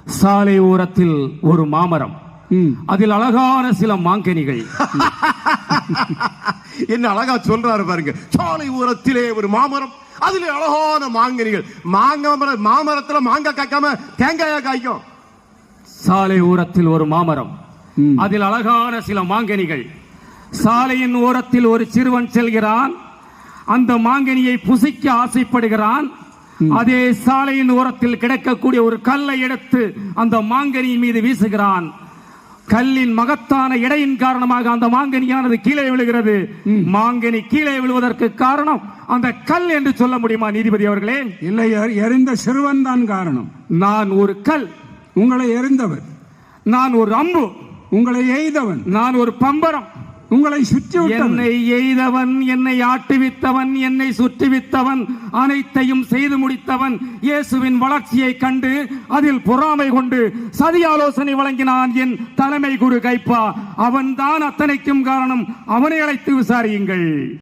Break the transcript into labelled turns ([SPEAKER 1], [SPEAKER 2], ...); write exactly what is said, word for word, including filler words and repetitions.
[SPEAKER 1] சாலை ஓரத்தில் ஒரு மாமரம், அதில் அழகான சில மாங்கனிகள்.
[SPEAKER 2] என்ன அழகா சொல்றாரு பாருங்க. சாலை ஓரத்திலே ஒரு மாமரம், அதுல அழகான மாங்கனிகள். மாங்க மாமரத்துல மாங்காய் காய்க்காம தேங்காயா காய்க்கும்.
[SPEAKER 1] சாலை ஓரத்தில் ஒரு மாமரம், அதில் அழகான சில மாங்கனிகள். சாலையின் ஓரத்தில் ஒரு சிறுவன் செல்கிறான். அந்த மாங்கனியை புசிக்க ஆசைப்படுகிறான். அதே சாலையின் ஓரத்தில் கிடக்கக்கூடிய ஒரு கல்லை எடுத்து அந்த மாங்கனியின் மீது வீசுகிறான். கல்லின் மகத்தான எடையின் காரணமாக அந்த மாங்கனியானது கீழே விழுகிறது. மாங்கனி கீழே விழுவதற்கு காரணம் அந்த கல் என்று சொல்ல முடியுமா நீதிபதி அவர்களே?
[SPEAKER 3] இல்லை, எறிந்த சிறுவன் தான் காரணம்.
[SPEAKER 1] நான் ஒரு கல்,
[SPEAKER 3] உங்களை எறிந்தவர்.
[SPEAKER 1] நான் ஒரு அம்பு,
[SPEAKER 3] உங்களை எய்தவன்.
[SPEAKER 1] நான் ஒரு பம்பரம்,
[SPEAKER 3] உங்களை சுற்றி
[SPEAKER 1] என்னை எய்தவன், என்னை ஆட்டுவித்தவன், என்னை சுற்றுவித்தவன், அனைத்தையும் செய்து முடித்தவன். இயேசுவின் வளர்ச்சியை கண்டு அதில் பொறாமை கொண்டு சதி ஆலோசனை வழங்கினான் என் தலைமை குரு கைப்பா. அவன் தான் அத்தனைக்கும் காரணம். அவனை அழைத்து விசாரியுங்கள்.